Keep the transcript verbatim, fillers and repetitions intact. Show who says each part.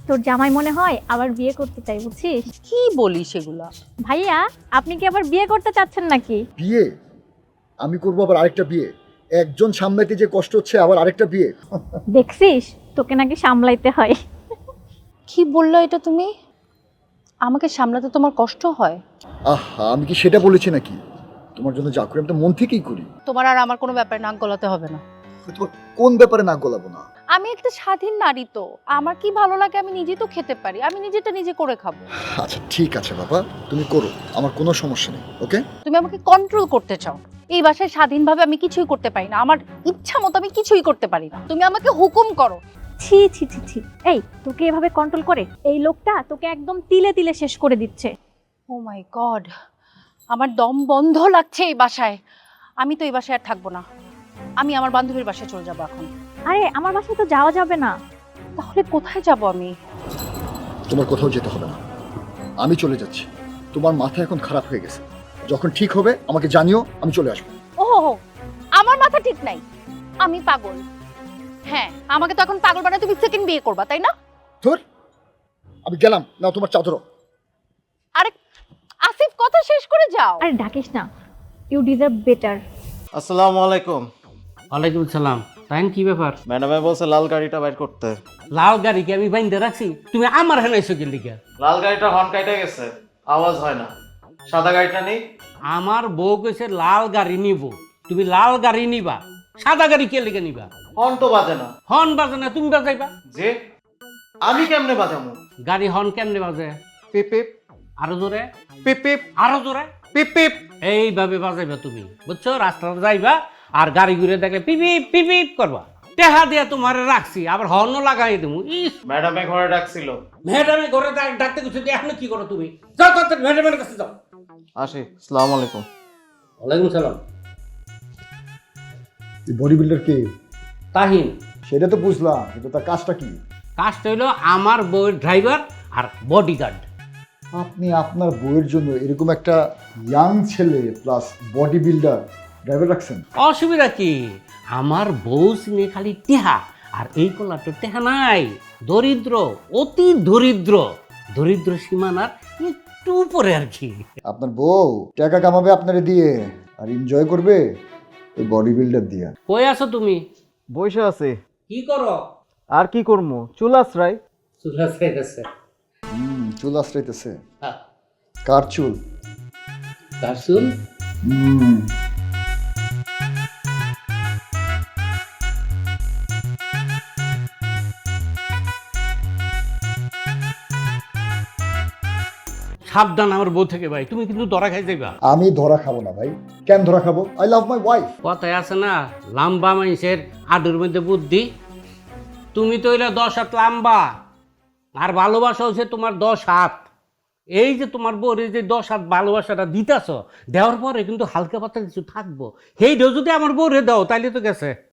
Speaker 1: তোর জামাই মনে হয় আবার বিয়ে করতে চাই, বুঝছিস?
Speaker 2: কি বলি সেগুলা?
Speaker 1: ভাইয়া, আপনি কি আবার বিয়ে করতে চাচ্ছেন নাকি?
Speaker 3: বিয়ে? আমি করবো আবার আরেকটা বিয়ে? একজন সামলাইতে যে কষ্ট হচ্ছে, আবার আরেকটা বিয়ে?
Speaker 1: দেখছিস, তোকে নাকি সামলাইতে হয়।
Speaker 2: কি বললো এটা তুমি? আমাকে সামলাতে তোমার কষ্ট হয়?
Speaker 3: আহা, আমি কি সেটা বলেছি নাকি? তোমার জন্য যা করি আমি তো মন থেকেই করি।
Speaker 2: তোমার আর আমার কোনো ব্যাপারে নাক গলাতে হবে না।
Speaker 3: তোমার কোন ব্যাপারে নাক গলাবো না?
Speaker 2: আমি একটা স্বাধীন নারী, তো আমার কি ভালো লাগে আমি নিজেই তো খেতে পারি, আমি নিজেটা নিজে করে খাবো।
Speaker 3: আচ্ছা ঠিক আছে বাবা, তুমি করো, আমার কোনো সমস্যা নেই। ওকে?
Speaker 2: তুমি আমাকে কন্ট্রোল করতে চাও। এই বাসায় স্বাধীনভাবে আমি কিছুই করতে পারি না, আমার ইচ্ছা মতো আমি কিছুই করতে পারি না। তুমি আমাকে হুকুম করো।
Speaker 1: ছি ছি ছি ছি, এই তোকে এভাবে কন্ট্রোল করে এই লোকটা তোকে একদম তিলে তিলে শেষ করে দিচ্ছে।
Speaker 2: ও মাই গড, আমার দম বন্ধ লাগছে এই বাসায়। আমি তো এই বাসায় আর থাকবো না, আমি আমার বান্ধবীর বাসায় চলে যাবো এখন।
Speaker 1: আরে আমার বাসায় তো যাওয়া যাবে না।
Speaker 2: তাহলে কোথায় যাব আমি?
Speaker 3: তোমার কোথাও যেতে হবে না, আমি চলে যাচ্ছি। তোমার মাথা এখন খারাপ হয়ে গেছে, যখন ঠিক হবে আমাকে জানিও, আমি চলে আসবো।
Speaker 2: ও আমার মাথা ঠিক নাই, আমি পাগল। হ্যাঁ, আমাকে তো এখন পাগল বানায় তুমি সেকেন্ড বিয়ে করবা, তাই না?
Speaker 3: ধুর, আমি গেলাম না, তোমার চাদরও।
Speaker 2: আরে আসিফ, কথা শেষ করে যাও।
Speaker 1: আরে ডাকিস না, ইউ ডিজার্ভ বেটার।
Speaker 4: আসসালামু আলাইকুম।
Speaker 5: ওয়ালাইকুম সালাম। তাই কি ব্যাপার?
Speaker 4: ম্যাডামে বলছে লাল গাড়িটা বাইর করতে।
Speaker 5: লাল গাড়ি কি আমি বাইন্দে রাখছি? তুমি আমার হেনাইছো কেন দিকে?
Speaker 4: লাল গাড়িটা হর্ন কাইটা গেছে, আওয়াজ হয় না। সাদা গাড়িটা নেই?
Speaker 5: আমার বউ কইছে লাল গাড়ি নিব, তুমি লাল গাড়ি নিবা, সাদা গাড়ি কে লিখে নিবা?
Speaker 4: হর্ন তো বাজে না।
Speaker 5: হর্ন বাজে না, তুমি বাজাইবা।
Speaker 4: যে আমি কেমনে বাজামু?
Speaker 5: গাড়ি হর্ন কেমনে বাজে?
Speaker 4: পিপ পিপ
Speaker 5: আরো জোরে,
Speaker 4: পিপ পিপ
Speaker 5: আরো জোরে,
Speaker 4: পিপ পিপ।
Speaker 5: এইভাবে বাজাইবা তুমি, বুঝছো? রাস্তাতে যাইবা আর গাড়ি ঘুরে দেখলে পিপিপ পিপিপ করবা। টেহা দিয়া তোমার রাখছি, আবার হর্নও লাগাই দেবো। ইস,
Speaker 4: ম্যাডামে ঘরে ডাকছিল।
Speaker 5: ম্যাডামে ঘরে ডাক- ডাকতে গেছো, এখন কি করো তুমি? যাও তো ম্যাডামের কাছে যাও।
Speaker 4: আসি, আসসালামু আলাইকুম।
Speaker 5: ওয়ালাইকুম সালাম।
Speaker 3: বডি বিল্ডার কে?
Speaker 5: তাহিন।
Speaker 3: সেটা তো বুঝলাম, কিন্তু তার কাজটা কি?
Speaker 5: কাজটা হইলো আমার বউয়ের ড্রাইভার আর বডিগার্ড।
Speaker 3: আপনি আপনার বইয়ের জন্য এরকম একটা ইয়াং ছেলে প্লাস বডি বিল্ডার ড্রাইভার রাখছেন?
Speaker 5: অসুবিধা কি? আমার বউ সিনে খালি টেহা, আর এই কলা তো টেহা নাই, দরিদ্র, অতি দরিদ্র, দরিদ্র সীমানার একটু উপরে আর কি।
Speaker 3: আপনার বউ টাকা কামাবে আপনারে দিয়ে, আর এনজয় করবে ওই বডি বিল্ডার দিয়ে।
Speaker 5: কই আছো তুমি?
Speaker 4: বসে আছে।
Speaker 5: কি করো?
Speaker 4: আর কি করবো, চুল আশ্রাই।
Speaker 5: চুলা চাইতেছে।
Speaker 3: হুম, চুল আশ্রাইতেছে।
Speaker 5: হ্যাঁ,
Speaker 3: কার চুল?
Speaker 5: তার চুল।
Speaker 3: হুম,
Speaker 5: সাবধান আমার বউ থেকে ভাই, তুমি কিন্তু ধরা খাই যাইবা।
Speaker 3: আমি ধরা খাবো না ভাই। কেন ধরা খাবো? I love my wife.
Speaker 5: কথায় আছে না, লাম্বা মানুষের আডুর মধ্যে বুদ্ধি। তুমি তো এলা দশ হাত লাম্বা, আর ভালোবাসা হচ্ছে তোমার দশ হাত। এই যে তোমার বউর এই যে দশ হাত ভালোবাসাটা দিতেছ, দেওয়ার পরে কিন্তু হালকা পাতলা কিছু থাকবো। সেইটাও যদি আমার বউরে দাও তাইলে তো গেছে।